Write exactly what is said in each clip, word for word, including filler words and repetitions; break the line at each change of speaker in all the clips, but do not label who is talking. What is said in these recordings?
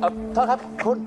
อโทษครับคุณ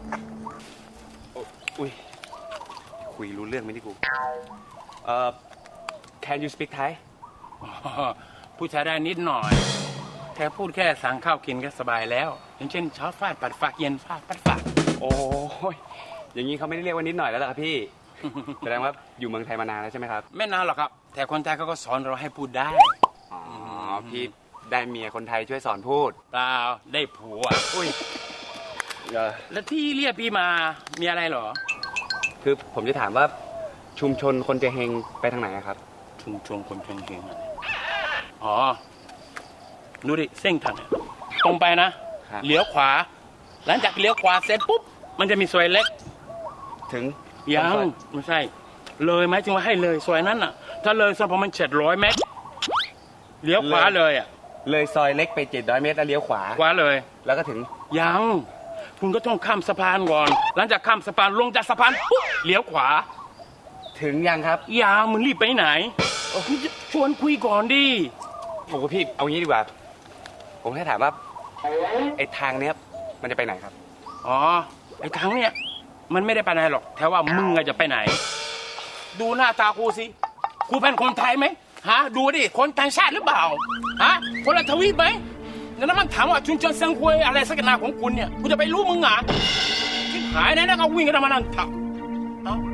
อุ้ยคุยรู้เรื่องไหมที่กูเอ่อ can you speak Thai
พูดใช้ได้นิดหน่อยแค่พูดแค่สั่งข้าวกินก็สบายแล้วอย่างเช่นเช้าฟาดปัดฝากเย็นฟาดปัดฝาก
โอ้ยอย่างนี้เขาไม่ได้เรียกว่านิดหน่อยแล้วล่ะครับพี่ แสดงว่าอยู่เมืองไทยมานานแล้วใช่ไหมครับ
ไม่นานหรอกครับแต่คนไทยเขาก็สอนเราให้พูดได้
อ๋อพี่ได้เมียคนไทยช่วยสอนพูด
เปล่าได้ผัว
อุ้ย
แล้วที่เรียกพี่มามีอะไรเหรอ
คือผมจะถามว่าชุมชนคนเจเฮงไปทางไหนครับ
ชุมชนคนเจเฮงอ๋อดูดิเส้นทางตรงไปนะเลี้ยวขวาหลังจากเลี้ยวขวาเสร็จปุ๊บมันจะมีซอยเล็ก
ถึง
ยังไม่ใช่เลยไหมจึงว่าให้เลยซอยนั้นอ่ะถ้าเลยสักประมาณเจ็ดร้อยเมตรเลี้ยวขวาเลยอ่ะ
เลยซอยเล็กไปเจ็ดร้อยเมตรแล้วเลี้ยวขวา
ขวาเลย
แล้วก็ถึง
ยังคุณก็ต้องข้ามสะพานก่อนหลังจากข้ามสะพานลงจากสะพานปุ๊บเลี้ยวขวา
ถึงยังครับ
ยังมึงรีบไปไหนชวนคุยก่อนดิ
โอ้โหพี่เอางี้ดีกว่าผมแค่ถามว่าไอ้ทางเนี้ยมันจะไปไหนครับ
อ๋อไอ้ทางเนี้ยมันไม่ได้ไปไหนหรอกแต่ว่ามึงจะไปไหนดูหน้าตากูสิกูเป็นคนไทยไหมฮะดูดิคนต่างชาติหรือเปล่าฮะคนละทวีปไหมแล้วมันถามว่าชุนชนเซิงควยอะไรสักหนาของคุณเนี่ยกูจะไปรู้มึงอ่ะที่หายนะนะก็วิ่งกันมานั่งทับเอ้า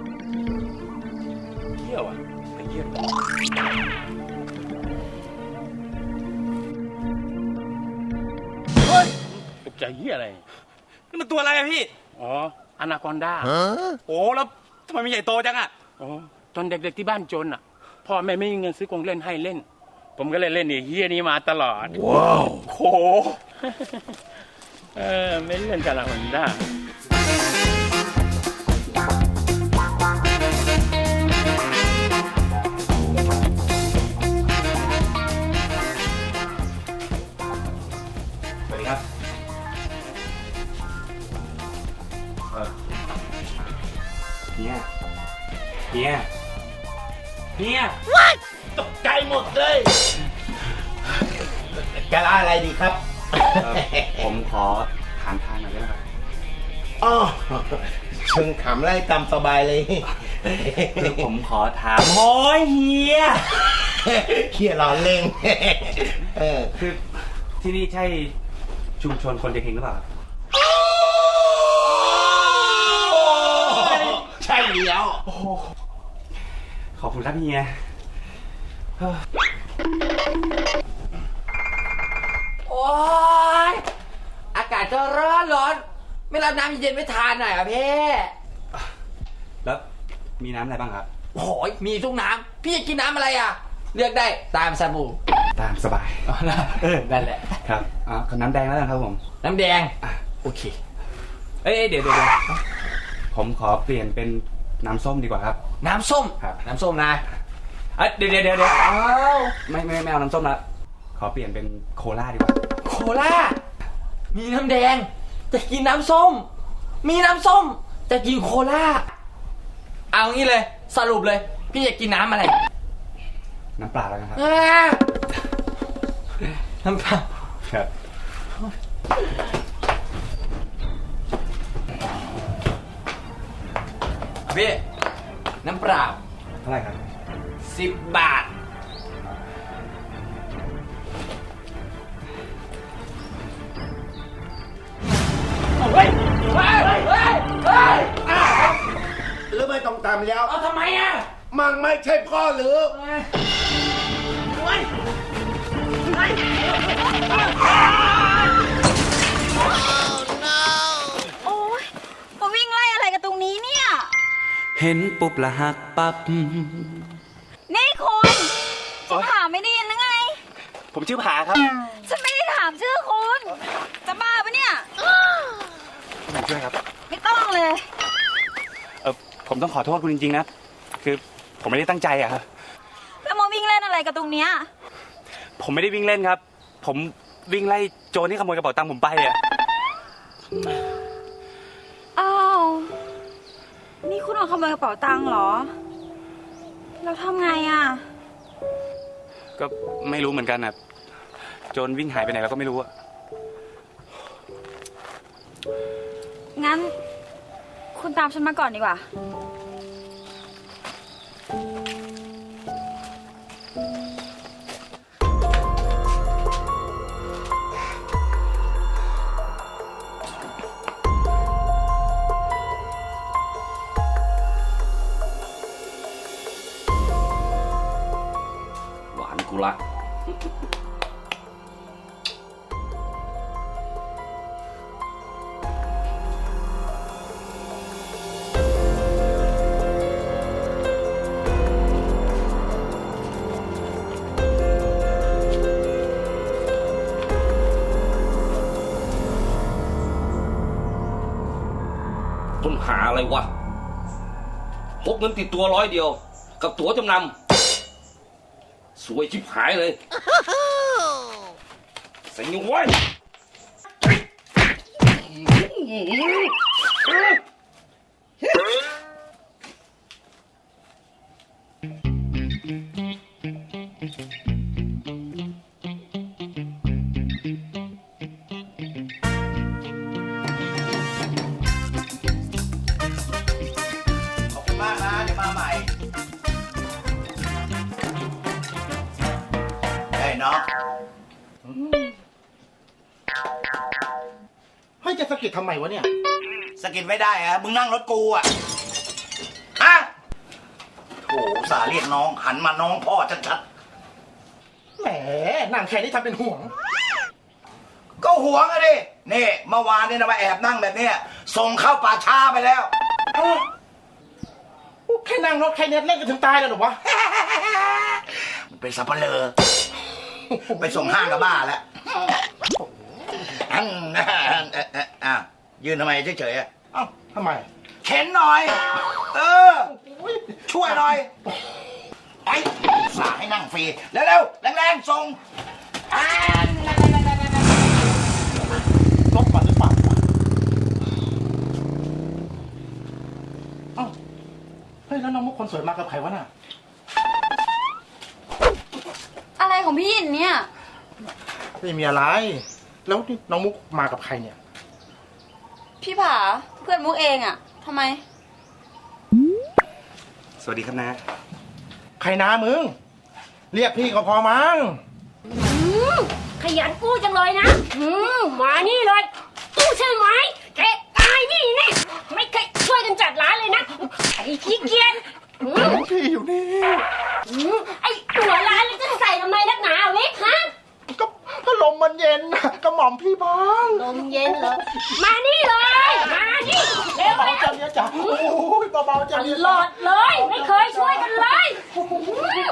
เที่ยวอ่ะไปเยี่ยมเฮ้ยตกใจเหี้ยอะไร
นี่มันตัวอะไรอะพี่
อ๋ออนาคอนดา
โอ้แล้วทำไมมีใหญ่โตจังอะ
อ๋อตอนเด็กๆที่บ้านจนอ่ะพ่อแม่ไม่มีเงินซื้อกงเล่นให้เล่นผมก็เลยเล่นไอ้เฮียนี้มาตลอด
ว้าวโห
เออไม่เล่นกับอนาคอนดา
สวัสดีครับเฮียเฮียเฮีย
ตกใจหมดเลยจะอะไรดีครับ
ผมขอถามทางหน่อยได้ไหมครับ
อ๋อเชิงขำไล่ตามสบายเลย
คือผมขอถามโอ้ยเฮีย
เฮียร้อนเล่งเออ
คือที่นี่ใช่ชุมชนคนเจเฮงหรือเปล่า
ใช่แล้ว
ขอบคุณครับเฮีย
โอ้ยอากาศจะร้อนร้อนไม่รับน้ำเย็นไม่ทานหน่อยอ่ะพี่
แล้วมีน้ำอะไรบ้างครับ
โอ้ยมีทุกน้ำพี่จะกินน้ำอะไรอ่ะเลือกได้ตามสบู่
ตามสบาย
เออนั่นแหละ
ครับอ๋อน้ำแดงแล้วกันครับผม
น้ำแดง
อ่ะ
โอเค
เอ้ยเดี๋ยวเดี๋ยวผมขอเปลี่ยนเป็นน้ำส้มดีกว่าครับ
น้ำส้ม
ครับ
น้ำส้มนะ
เดี๋ยวเดี๋ยวเดี๋ยวไม่ไม่ไม่เอาน้ำส้มละขอเปลี่ยนเป็นโคลาดีกว่า
โคลามีน้ำแดงจะกินน้ำส้มมีน้ำส้มจะกินโคลาเอางี้เลยสรุปเลยพี่จะกินน้ำอะไร
น้ำเปล่าแล้วนะครับ
น้ำเปล่า
ครับ
พี่น้ำเปล่า
เท่าไหร่ครับ
สิบบาทเฮ้ยเฮ้ยเฮ้ยเฮ้ย
หรือไม่ต้องตามแล้ว
เอาทำไมอ่ะ
มังไม่ใช่พ่อหรือ
เฮ้ยเฮ้ย
โอ๊ยมาวิ่งไล่อะไรกันตรงนี้เนี่ย
เห็นปุ๊บละหักปั๊บ
นี่คุณจะถามไม่ได้ยินหรือไง
ผมชื่อผาครับ
ฉันไม่ได้ถามชื่อคุณจะบ้าปะเนี่ย
ผมช่วยครับ
ไม่ต้องเลย
เออผมต้องขอโทษคุณจริงๆนะคือผมไม่ได้ตั้งใจอะครับ
แล้วมาวิ่งเล่นอะไรกันตรงเนี้ย
ผมไม่ได้วิ่งเล่นครับผมวิ่งไล่โจรที่ขโมยกระเป๋าตังค์ผมไปอะ
อ้าวนี่คุณเอาขโมยกระเป๋าตังค์เหรอเราทำไงอ่ะ
ก็ไม่รู้เหมือนกันนะโจรวิ่งหายไปไหนแล้วก็ไม่รู้อะ
งั้น คุณตามฉันมาก่อนดีกว่า
หวานกูละ
ต้นหาอะไรวะพกเงินติดตัวร้อยเดียว กับตั๋วจำนำสวยชิบหายเลยใส่ยังไว้
ขอบคุณมากนะ เดี๋ยวมาใหม่เฮ้ยน้องเฮ้ยจะสะกิดทำไมวะเนี่ยสะกิดไม่ได้อะมึงนั่งรถกูอะฮะโถสาเรียกน้องหันมาน้องพ่อชัดๆแหมนั่งแค่นี้ทำเป็นห่วง ก็ห่วงอะดินี่เมื่อวานเนี่ยนะมาแอบนั่งแบบเนี้ยส่งเข้าป่าช้าไปแล้วแค่นั่งรถแค่นี้เล่นกันถึงตายแล้วหรอวะ มันเป็นสับเปลือไปส่งห้างกับบ้าแล้วอันอ่ะยืนทำไมเฉยๆอ่ะเอ้าทำไมเข็นหน่อย เออ ช่วยหน่อยไอ้สาให้นั่งฟรีเร็วๆแรงๆส่งรถมาหรือเปล่าเอ้าเฮ้ยแล้วน้องมุกคนสวยมากับใครวะน่ะ
อะไรของพี่หยินเนี่ย
ไม่มีอะไร แล้วนี่น้องมุกมากับใครเนี่ย
พี่ผาเพื่อนมุกเองอะทำไม
สวัสดีครับนะ
ใครนะมึง เรียกพี่ก็พอมั้ง
ขยันกู้จังเลยนะอืมมานี่เลยกู้ใช่ไหมแกตายนี่นี่ไม่เคยช่วยกันจัดร้านเลยนะไอ้ขี้เกียจอืม
พี่อยู่นี่
อืมไอ้หัวร้านแล้วจะใส่ทำไมนักหนาเล็กฮะ
ก็ก็ลมมันเย็นน่ะก็หม่อมพี่บ้าง
ลมเย็นเหรอมานี่เลยมานี่เร็ว
เบา
เร็ว
ๆจังเนี่ยจ้ะโอ้ยเบาๆจัง
ต
เนี่ย
ลอดเลย ไม่เคยช่วยกันเลยอืม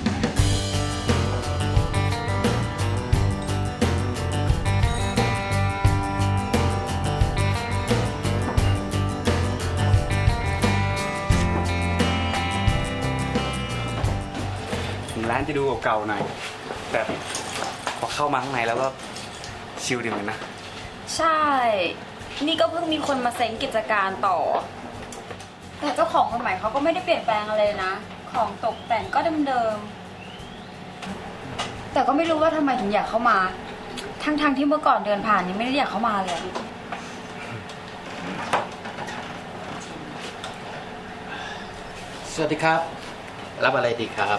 ถึงร้านจะดูเก่าๆหน่อยแต่พอเข้ามาข้างในแล้วก็ชิลดีเหมือนกันนะ
ใช่ นี่ก็เพิ่งมีคนมาเซ็งกิจการต่อ แต่เจ้าของคนใหม่เขาก็ไม่ได้เปลี่ยนแปลงอะไรนะ ของตกแต่งก็เดิมๆ แต่ก็ไม่รู้ว่าทำไมถึงอยากเข้ามา ทั้งๆที่เมื่อก่อนเดินผ่านนี่ไม่ได้อยากเข้ามาเลย
สวัสดีครับ รับอะไรดีครับ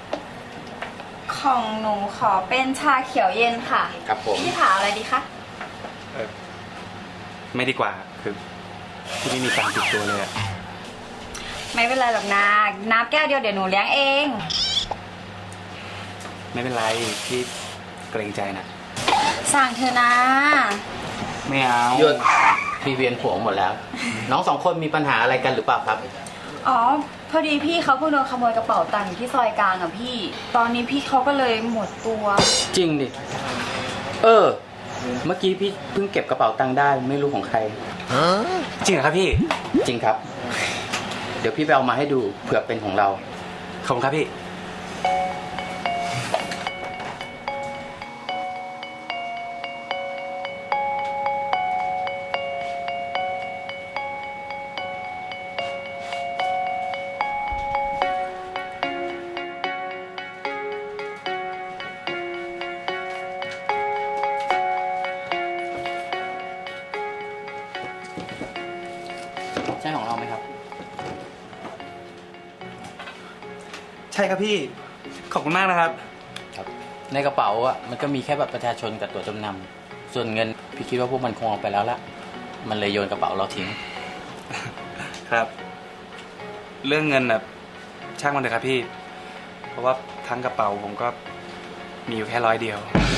ของหนูขอเป็นชาเขียวเย็นค่ะ
ครับผม
พี่ผาอะไรดีคะ
เออไม่ดีกว่าคือที่ไม่มีตังค์ติดตัวเลยอะ
ไม่เป็นไรหรอกนะน้ำแก้วเดียวเดี๋ยวหนูเลี้ยงเอง
ไม่เป็นไรพี่เกรงใจนะ
สั่งเธอะนะ
ไม่เอา
หยุดพี่เวียนหัวหมดแล้ว น้องสองคนมีปัญหาอะไรกันหรือเปล่าครับ
อ๋อ พอดีพี่เขาเพิ่งโดนขโมยกระเป๋าตังค์อยู่ที่ซอยกลางอะพี่ ตอนนี้พี่เขาก็เลยหมดตัว
จริงดิ เออ เมื่อกี้พี่เพิ่งเก็บกระเป๋าตังค์ได้ไม่รู้ของใคร
จริงเหรอครับพี่
จริงครับ เดี๋ยวพี่ไปเอามาให้ดูเผื่อเป็นของเรา
ขอบคุณครับพี่
น
ช่ของเราไหมครับ
ใช่ครับพี่ ขอบคุณมากนะครับ
ครับ ในกระเป๋าอ่ะมันก็มีแค่บัตรประชาชนกับตั๋วจำนำส่วนเงินพี่คิดว่าพวกมันคงเอาไปแล้วละมันเลยโยนกระเป๋าเราทิ้ง
ครับ เรื่องเงินแบบช่างมันเถอะครับพี่ เพราะว่าทั้งกระเป๋าผมก็มีอยู่แค่ร้อยเดียว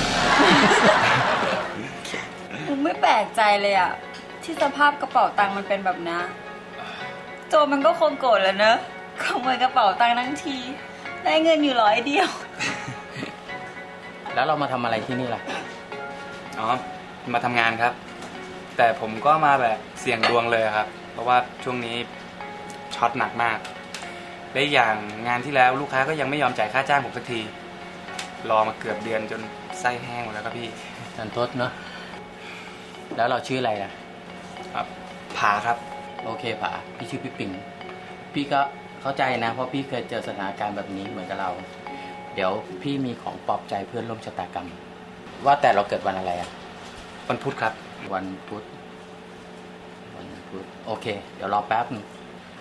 มุกไม่แปลกใจเลยอะที่สภาพกระเป๋าตังค์มันเป็นแบบนี้โจรมันก็คงโกรธแหล้วเนอะขโมยกระเป๋าตังค์ทั้งทีได้เงินอยู่ร้อยเดียว
แล้วเรามาทำอะไรที่นี่ล่ะ
อ๋อ มาทำงานครับ แต่ผมก็มาแบบเสี่ยงดวงเลยครับ เพราะว่าช่วงนี้ช็อตหนักมาก และอย่างงานที่แล้วลูกค้าก็ยังไม่ยอมจ่ายค่าจ้างผมสักที รอมาเกือบเดือนจนไส้แห้งหมดแล้วครับพี่
นันทดเนาะแล้วเราชื่ออะไรล่ะ
ครับผาครับ
โอเคผาพี่ชื่อพี่ปิงพี่ก็เข้าใจนะ เพราะพี่เคยเจอสถานการณ์แบบนี้เหมือนกับเรา เดี๋ยวพี่มีของปลอบใจเพื่อนร่วมชะตากรรม ว่าแต่เราเกิดวันอะไรอะ
วันพุธครับ
วันพุธวันพุธโอเค เดี๋ยวรอแป๊บนึง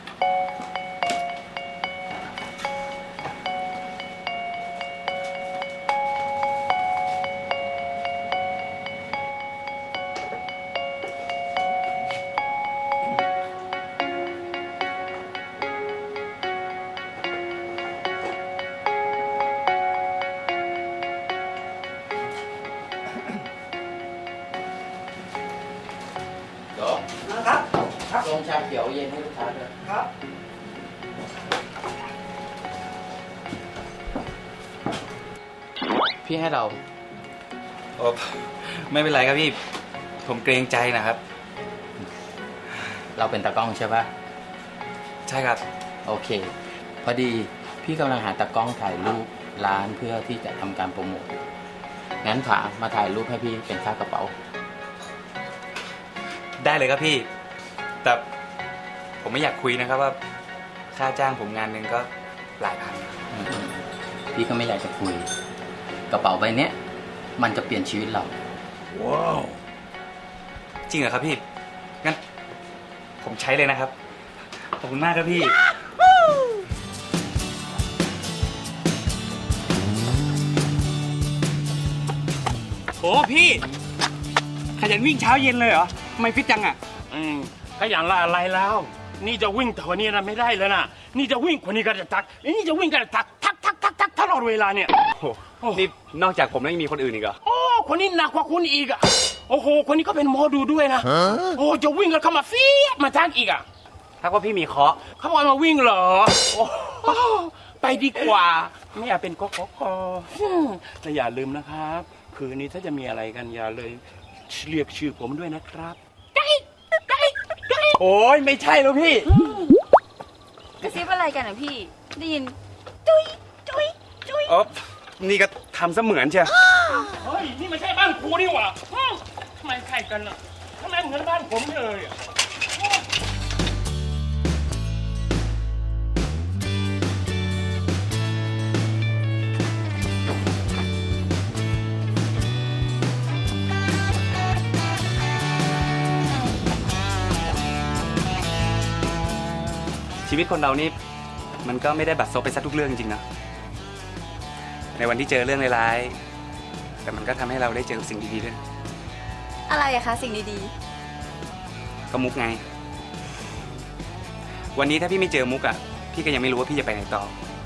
เดี๋ยวครับครับลงชาเขียวเย็นให้ลูกค้าด้วยครับ พี่ให้เรา
โอ้ไม่เป็นไรครับพี่ ผมเกรงใจนะครับ
เราเป็นตากล้องใช่ปะ
ใช่ครับ
โอเค พอดีพี่กำลังหาตากล้องถ่ายรูปร้านเพื่อที่จะทำการโปรโมทงั้นผามาถ่ายรูปให้พี่เป็นค่ากระเป๋า
ได้เลยครับพี่ แต่ผมไม่อยากคุยนะครับว่าค่าจ้างผมงานหนึ่งก็หลายพัน
อืมพี่ก็ไม่อยากจะคุย กระเป๋าใบเนี้ยมันจะเปลี่ยนชีวิตเรา
จริงเหรอครับพี่ งั้นผมใช้เลยนะครับ ขอบคุณมากครับพี่ โอ้พี่ ขยันวิ่งเช้าเย็นเลยเหรอทำไมฟิตจังอ่ะ
อืมก็อย่างละอะไรแล้ว นี่จะวิ่งแต่วันนี้นะไม่ได้แล้วนะนี่จะวิ่งคนนี้ก็จะทักนี่จะวิ่งก็จะทักทักทักทักทักตลอดเวลาเนี่ย
โอ้โหนี่นอกจากผมแล้วยังมีคนอื่นอีกเหรอ
โอ้คนนี้หนักกว่าคุณอีกอ่ะโอ้โหคนนี้ก็เป็นหมอดูด้วยนะโอ้จะวิ่งกันเข้ามาฟีดมาทักอีกอ่ะ
ถ้าว่าพี่มีเคราะห์
เขาบอกมาวิ่งเหรอโอ้ไปดีกว่า ไม่อยากเป็นกกกแต่อย่าลืมนะครับ คืนนี้ถ้าจะมีอะไรกันอย่าเลยเรียกชื่อผมด้วยนะครับ
โอ้ยไม่ใช่แล้วพี่
กระซิบอะไรกันอ่ะพี่ ได้ยิน จุ๊ยจุ๊ยจุ๊ย
อ๋อ นี่ก็ทำเสมือนเชียว
เฮ้ย นี่ไม่ใช่บ้านครูนี่หว่าอ้าวทำไมใครกันอ่ะทำไมเหมือนบ้านผมเลยอ่ะ
ชีวิตคนเรานี่มันก็ไม่ได้บัดซบไปซะทุกเรื่องจริงๆนะในวันที่เจอเรื่องร้ายๆแต่มันก็ทำให้เราได้เจอสิ่งดีๆด้วย
อะไรอะคะสิ่งดี
ก็มุกไง วันนี้ถ้าพี่ไม่เจอมุกอ่ะพี่ก็ยังไม่รู้ว่าพี่จะไปไหนต่อ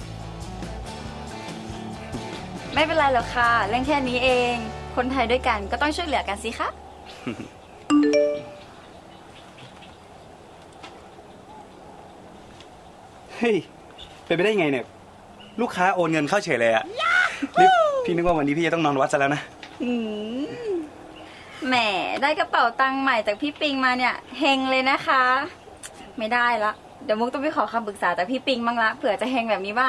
ๆ ไม่เป็นไรหรอกค่ะ เรื่องแค่นี้เอง คนไทยด้วยกันก็ต้องช่วยเหลือกันสิคะ
เฮ้ยเป็นไปได้ไงเนี่ย ลูกค้าโอนเงินเข้าเฉยเลยอ่ะนี่พี่นึกว่าวันนี้พี่จะต้องนอนวัดซะแล้วนะ
อืมแหมได้กระเป๋าตังค์ใหม่จากพี่ปิงมาเนี่ยเฮงเลยนะคะ ไม่ได้ละเดี๋ยวมุกต้องไปขอคำปรึกษาจากพี่ปิงบ้างละเผื่อจะเฮงแบบนี้บ้าง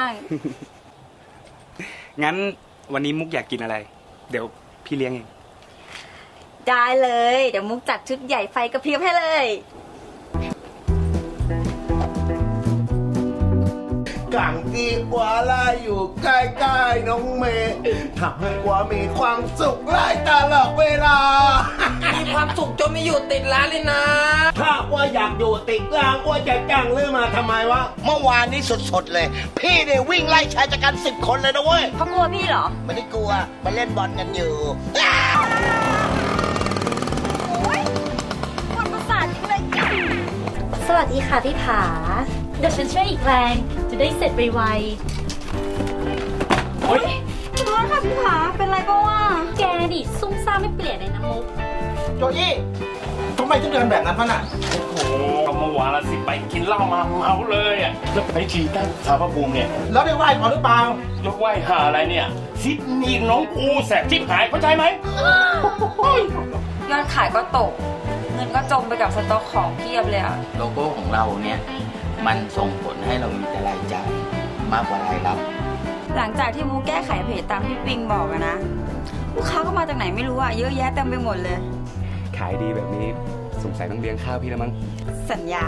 งั้นวันนี้มุกอยากกินอะไร เดี๋ยวพี่เลี้ยงเอง
ได้เลย เดี๋ยวมุกจัดชุดใหญ่ไฟกระพริบให้เลย
กขังที่กว่าลาอยู่ใกล้ๆน้องเมย์ทำให้กว่ามีความสุขไล่ตลอดเวลา
มีความสุขจนไม่อยู่ติดร้านเลยนะ
ถ้าว่าอยากอยู่ติดรางว่าจะจ้างเรื่องมาทำไมวะ เมื่อวานนี้สดๆเลย พี่เนี่ยวิ่งไล่ชายจัดการสิบคนเลยนะเว้ย
เขากลัวพี่เหรอ
ไม่ได้กลัวมาเล่นบอลกันอยู่
ความประสาทจริงเลย
สวัสดีค่ะพี่ผา เดี๋ยวฉันช่วยอีกแรง จะได้เสร็จไว
เฮ้ย
ขอโทษค่ะพี่ผา เป็นไรก็ว่า
ๆแกดิซุ่มซ่ามไม่เปลี่ยนเลยนะมุก
โจยี่ทำไมถึงเดินแบบนั้นพะน่ะ
โอ้โหก็เมื่อวานละสิไปกินเหล้ามาเมาเลยอ่ะแล้วไปฉีดตั้งสารพระภูมิเนี่ย
แล้วได้ไหว้ก่อนหรือเปล่า
ยกไหว้หาอะไรเนี่ยซิดนีน้องกูแสบชิบหายเข้าใจไหม
ยอดขายก็ตก เงินก็จมไปกับสต็อกของเพียบเลยอะ
โลโก้ของเราเนี่ยมันส่งผลให้เรามีแต่รายจ่ายมากกว่ารายรับ
หลังจากที่มูแก้ไขเพจตามที่ปิงบอกอะนะ ลูกค้าก็มาจากไหนไม่รู้อะเยอะแยะเต็มไปหมดเลย
ขายดีแบบนี้สงสัยต้องเลี้ยงข้าวพี่แล้วมั้ง
สัญญา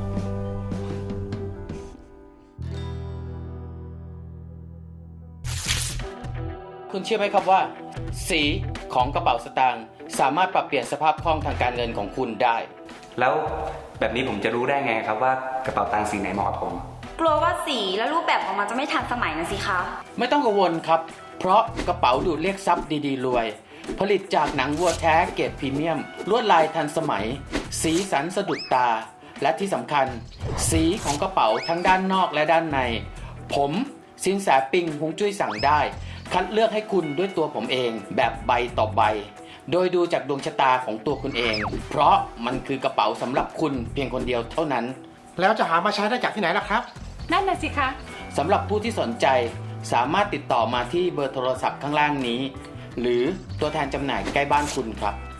คุณเชื่อไหมครับว่า สีของกระเป๋าสตางค์สามารถปรับเปลี่ยนสภาพคล่องทางการเงินของคุณได้
แล้วแบบนี้ผมจะรู้ได้ไงครับว่ากระเป๋าตังค์สีไหนเหมาะกับผม
กลัวว่าสีและรูปแบบออกมาจะไม่ทันสมัยนะสิคะ
ไม่ต้องกังวลครับ เพราะกระเป๋าดูดเรียกทรัพย์ดีๆรวย ผลิตจากหนังวัวแท้เกรดพรีเมียม ลวดลายทันสมัย สีสันสะดุดตา และที่สำคัญ สีของกระเป๋าทั้งด้านนอกและด้านใน ผมสินแสปิงฮวงจุ้ยสั่งได้ คัดเลือกให้คุณด้วยตัวผมเองแบบใบต่อใบ โดยดูจากดวงชะตาของตัวคุณเอง เพราะมันคือกระเป๋าสำหรับคุณเพียงคนเดียวเท่านั้น
แล้วจะหามาใช้ได้จากที่ไหนล่ะครับ
นั่นน่ะสิคะ
สำหรับผู้ที่สนใจสามารถติดต่อมาที่เบอร์โทรศัพท์ข้างล่างนี้ หรือตัวแทนจำหน่ายใกล้บ้านคุณครับ